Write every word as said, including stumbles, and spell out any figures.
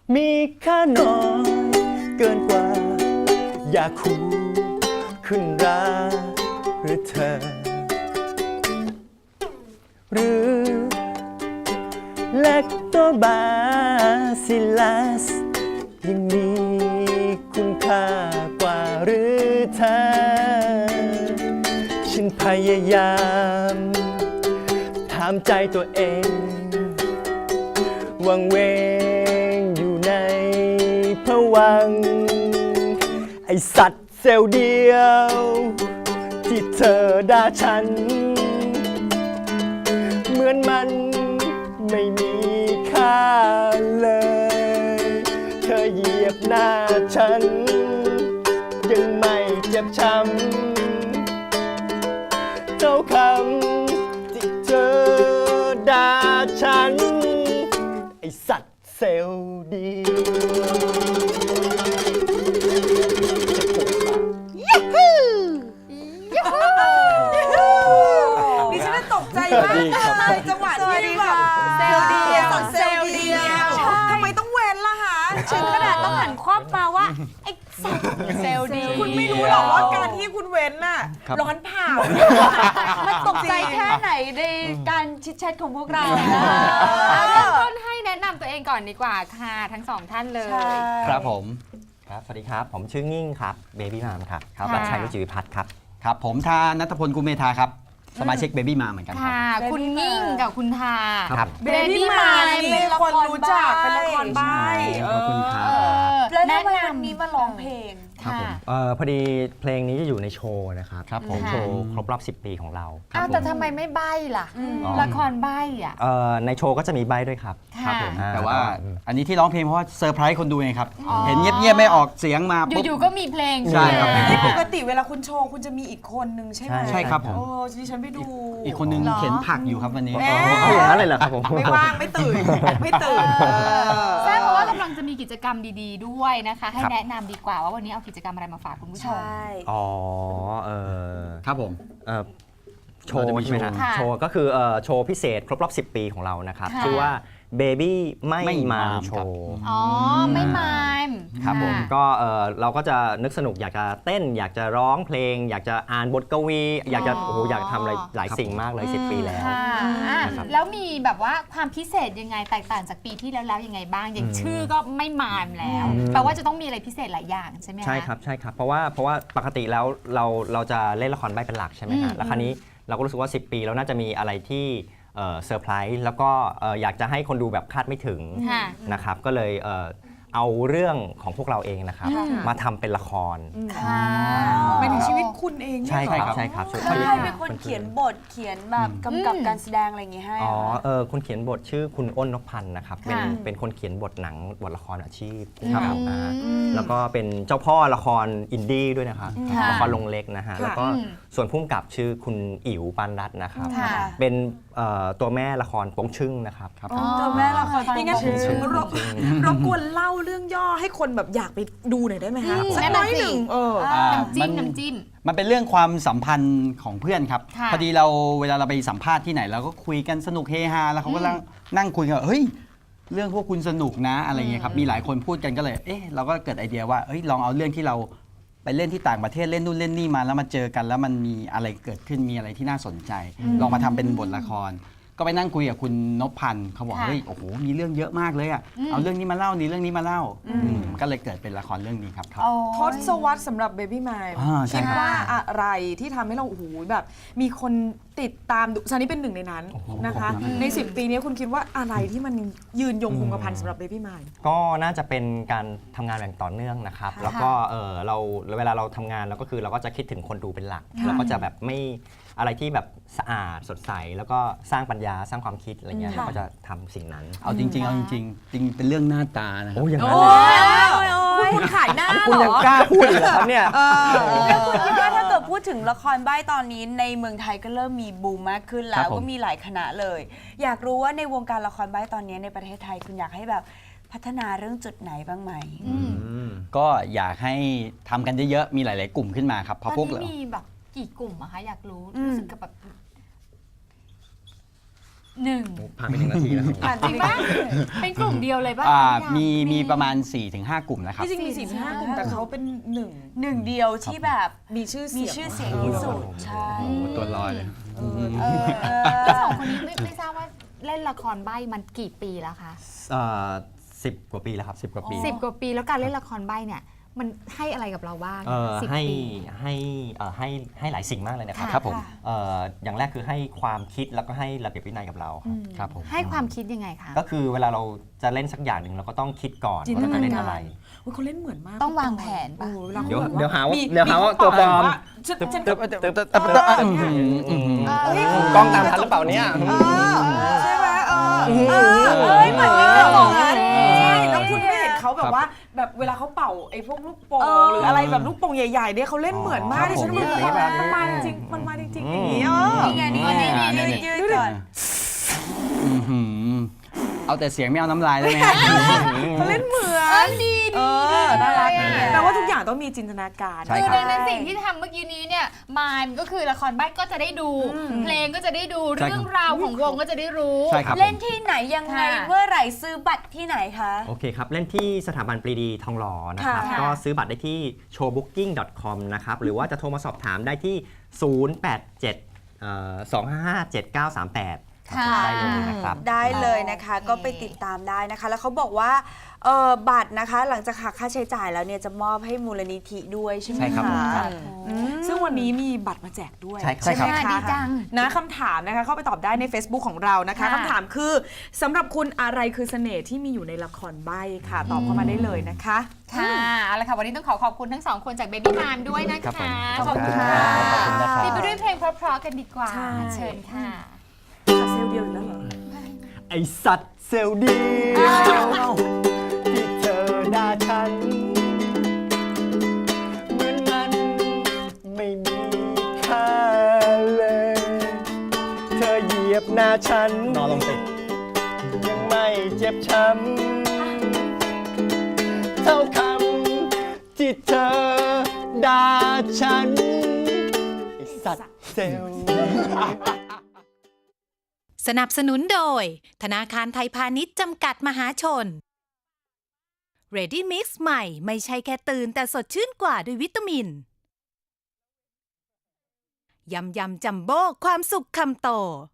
มีค่าน้อยเกินกว่าอยากคู่ขึ้นราหรือเธอหรือแลคโตบาซิลัสยังมีคุณค่ากว่าหรือเธอฉันพยายามถามใจตัวเองวังเวงอยู่ในภวังค์ไอสัตว์เซลล์เดียวที่เธอด่าฉันเหมือนมันไม่มีค่าเลยเธอเหยียบหน้าฉันยังไม่เจ็บช้ำเท่าคำที่เธอด่าฉันไอสัตว์เซลล์เดีดิฉันตกใจมากเลยจังหวะที่แบบเซลล์เดียวเซลล์เดียวทำไมต้องเว้นล่ะคะถึงขนาดต้องหันควับมาว่าไอ้สัตว์เซลล์ดีคุณไม่รู้หรอกว่าการที่คุณเว้นน่ะร้อนเผามันตกใจแค่ไหนในการชิดแชทของพวกเราเริ่มต้นให้แนะนำตัวเองก่อนดีกว่าค่ะทั้งสองท่านเลยครับผมครับสวัสดีครับผมชื่องิ่งครับเบบี้มามครับครับรัชชัยรุจิวิพัฒน์ครับครับผมทานัทพลกุลเมธาครับสมาชิกเบบี้มาเหมือนกันครับคุณงิ่งกับคุณทาครับเบบี้มานี่คนรู้จักเป็นละครใบ้ขอบคุณครับแล้วทำไมวันนี้มาร้องเพลงครับผมเอ่อพอดีเพลงนี้จะอยู่ในโชว์นะครับครับผมโชว์ครบรอบสิบปีของเราอ้าวแต่ทำไมไม่ใบ้ล่ะละครใบ้อ่ะเอ่อในโชว์ก็จะมีใบ้ด้วยครับครับผมแต่ว่าอันนี้ที่ร้องเพลงเพราะว่าเซอร์ไพรส์คนดูไงครับเห็นเงียบๆไม่ออกเสียงมาปุ๊บอยู่ๆก็มีเพลงใช่ครับปกติเวลาคุณโชว์คุณจะมีอีกคนนึงใช่ไหมใช่ครับผมโอ้ดิฉันไปดูอีกคนนึงเข็นผักอยู่ครับวันนี้อย่างนั้นเลยเหรอครับผมไม่ว่างไม่ตื่นไม่ตื่นใช่เพราะว่ากำลังจะมีกิจกรรมดีๆด้วยนะคะให้แนะนำดีกว่าว่าวันนี้เอากิจกรรมอะไรมาฝากคุณผู้ชมอ๋อเออครับผมเออโชว์ใช่ไหมครับโชว์ก็คือโชว์พิเศษครบรอบสิบปีของเรานะครับชื่อว่าBaby ไม่มามโชว์อ๋อไม่มามครับผมก็เราก็จะนึกสนุกอยากจะเต้นอยากจะร้องเพลงอยากจะอ่านบทกวีอยากจะโอ้โหอยากทำอะไรหลายสิ่งมากเลยสิบปีแล้วแล้วมีแบบว่าความพิเศษยังไงแตกต่างจากปีที่แล้วแล้วยังไงบ้างอย่างชื่อก็ไม่มามแล้วแปลว่าจะต้องมีอะไรพิเศษหลายอย่างใช่ไหมใช่ครับใช่ครับเพราะว่าเพราะว่าปกติแล้วเราเราจะเล่นละครใบ้เป็นหลักใช่ไหมฮะแล้วคราวนี้เราก็รู้สึกว่าสิบปีแล้วน่าจะมีอะไรที่เซอร์ไพรส์แล้วก็อยากจะให้คนดูแบบคาดไม่ถึงนะครับก็เลยเอาเรื่องของพวกเราเองนะครับมาทำเป็นละครเป็นชีวิตคุณเองใช่ครับใช่ครับใครเป็นคนเขียนบทเขียนแบบกำกับการแสดงอะไรอย่างเงี้ยให้อ๋อเออคนเขียนบทชื่อคุณอ้นนพพันธ์นะครับเป็นเป็นคนเขียนบทหนังบทละครอาชีพครับแล้วก็เป็นเจ้าพ่อละครอินดี้ด้วยนะครับละครลงเล็กนะฮะแล้วก็ส่วนผู้กำกับชื่อคุณอิ๋วปานรัตน์นะครับเป็นตัวแม่ละครโป้งชึ่งนะครับตัวแม่ละครยังไงรบกวนเล่าเรื่องย่อให้คนแบบอยากไปดูหน่อยได้ไหมคะสักน้อยหนึ่งเออน้ำจิ้มน้ำจิ้มมันเป็นเรื่องความสัมพันธ์ของเพื่อนครับพอดีเราเวลาเราไปสัมภาษณ์ที่ไหนเราก็คุยกันสนุกเฮฮาแล้วเขาก็นั่งคุยกันเฮ้ยเรื่องพวกคุณสนุกนะอะไรเงี้ยครับมีหลายคนพูดกันก็เลยเอ๊ะเราก็เกิดไอเดียว่าเฮ้ยลองเอาเรื่องที่เราไปเล่นที่ต่างประเทศเล่นนู่นเล่นนี่มาแล้วมาเจอกันแล้วมันมีอะไรเกิดขึ้นมีอะไรที่น่าสนใจลองมาทำเป็นบทละครก็ไปนั่งคุยกับคุณนพพันธ์เขาบอกเฮ้ยโอ้โหมีเรื่องเยอะมากเลยอ่ะเอาเรื่องนี้มาเล่านี่เรื่องนี้มาเล่าก็เลยเกิดเป็นละครเรื่องนี้ครับทศวรรษสำหรับ Baby Mime คิดว่าอะไรที่ทำให้เราโอ้โหแบบมีคนติดตามดูซานี่เป็นหนึ่งในนั้นนะคะในสิบปีนี้คุณคิดว่าอะไรที่มันยืนยงคงกระพันสำหรับ Baby Mime ก็น่าจะเป็นการทำงานอย่างต่อเนื่องนะครับแล้วก็เออเราเวลาเราทำงานเราก็คือเราก็จะคิดถึงคนดูเป็นหลักเราก็จะแบบไม่อะไรที่แบบสะอาดสดใสแล้วก็สร้างปัญญาสร้างความคิดอะไรเงี้ยเราก็จะทำสิ่งนั้นเอาจริงๆเอาจริงๆจริงเป็นเรื่องหน้าตานะโอ้ยอย่างนั้นเลยคุณขายหน้าคุณยังกล้าพูดเหรอครับเนี่ยแล้วคุณคิดว่าถ้าเกิดพูดถึงละครใบ้ตอนนี้ในเมืองไทยก็เริ่มมีบูมมากขึ้นแล้วก็มีหลายคณะเลยอยากรู้ว่าในวงการละครใบ้ตอนนี้ในประเทศไทยคุณอยากให้แบบพัฒนาเรื่องจุดไหนบ้างไหมก็อยากให้ทำกันเยอะๆมีหลายๆกลุ่มขึ้นมาครับเพราะพวกเรามีแบบกี่กลุ่มอะคะอยากรู้รู้สึกกับแบบหนึ่งผ่านไปหนึ่งนาทีแล้วครับจริงปะเป็นกลุ่มเดียวเลยปะอ่าทุกอย่างมีมีประมาณ สี่ถึงห้า กลุ่มนะครับที่จริงมีสี่ห้ากลุ่มแต่เขาเป็นหนึ่งหนึ่งเดียวที่แบบมีชื่อมีเสียงชื่อเสียงที่สุดใช่โอ้โหตัวลอยเลยเออเออแล้วสองคนนี้ไม่ไม่ทราบว่าเล่นละครใบ้มันกี่ปีแล้วคะสิบกว่าปีแล้วครับสิบกว่าปีสิบกว่าปีแล้วการเล่นละครใบ้เนี่ยมันให้อะไรกับเราบ้างเอ่อสิบให้ปีให้เอ่อให้ให้หลายสิ่งมากเลยนะครับค่ะครับผมเอ่ออย่างแรกคือให้ความคิดแล้วก็ให้ระเบียบวินัยกับเราครับครับผมให้ความคิดยังไงคะก็คือเวลาเราจะเล่นสักอย่างหนึ่งเราก็ต้องคิดก่อนจินตว่าเรานาจะเล่นการอะไรอุ๊ยเขาเล่นเหมือนมากต้องวางแผนปะโอ้เวลาเดี๋ยวขแบบเดี๋ยวหาว่ามีเดี๋ยวหาว่ามีตัวปลอมฉันฉันตึ๊บก็ตึ๊บตึ๊บตึ๊บตึ๊บตึ๊บอื้อหืออื้อหือกล้องตามทันหรือเปล่าเนี่ยใช่ไหมเออเออเอ้ยเหมือนกันเลยบอกนะใช่แล้วคุณไม่เห็นเขาแบบว่าแบบเวลาเขาเป่าไอ้พวกลูกโป่งเออหรืออะไรแบบลูกโป่งใหญ่ๆเนี่ยเขาเล่นเหมือนมากครับดิฉันผมมันแบบมันมาจริงมันมาจริงๆอย่างนี้เออนี่ไงนี่ไงนี่ไงยืดยืดก่อนอื้อหือเอาแต่เสียงไม่เอาน้ำลายได้ไหมฮะเขาเล่นเหมือนดีเอดีอน่ารักเลยอะแปลว่าทุกอย่างต้องมีจินตนาการใช่คือครับดังนั้นสิ่งที่ทำเมื่อกี้นี้เนี่ยมายก็คือละครใบ้ก็จะได้ดู เพลงก็จะได้ดูใช่ครับเรื่องราวของวงก็จะได้รู้ใช่ครับผมเล่นที่ไหนยังไงค่ะเมื่อไหร่ซื้อบัตรที่ไหนคะโอเคครับ เล่นที่สถาบันปรีดีทองหล่อนะครับค่ะก็ซื้อบัตรได้ที่ โชว์บุ๊กกิ้ง ดอท คอม นะครับ หรือว่าจะโทรมาสอบถามได้ที่ ศูนย์ แปด เจ็ด สอง ห้า ห้า เจ็ด เก้า สาม แปดค่ะได้เลยนะครับได้เลยนะคะโอเคก็ไปติดตามได้นะคะ แล้วเขาบอกว่าเออบัตรนะคะ หลังจากหักค่าใช้จ่ายแล้วเนี่ยจะมอบให้มูลนิธิด้วยใช่ไหมใช่ครับคะซึ่งวันนี้มีบัตรมาแจกด้วยใช่ครับใช่ไหมใช่คะดีจังนะคำถามนะคะเข้าไปตอบได้ใน Facebook ของเรานะคะค่ะคำถามคือสำหรับคุณอะไรคือเสน่ห์ที่มีอยู่ในละครใบ้ค่ะ ตอบเข้ามาได้เลยนะคะค่ะเอาละค่ะ วันนี้ต้องขอขอบคุณทั้งสองคนจาก Baby Mime ด้วยนะครัคะบผมขอบคุณขอบค่ะคุณนะครับปิดไปด้วยเพลงเพราะๆกันดีกว่าใช่เชิญค่ะเซลล์เดียวอยู่แล้วเหรอไอสัตว์เซลล์เดียวที่เธอด่าฉันเหมือนมันไม่มีค่าเลย เธอเหยียบหน้าฉันนอนลงสิยังไม่เจ็บช้ำเท่าคำที่เธอด่าฉันไอสัตว์เซลล์สนับสนุนโดยธนาคารไทยพาณิชย์จำกัดมหาชน Ready Mix ใหม่ไม่ใช่แค่ตื่นแต่สดชื่นกว่าด้วยวิตามิน ยำยำจัมโบ้ความสุขคำโต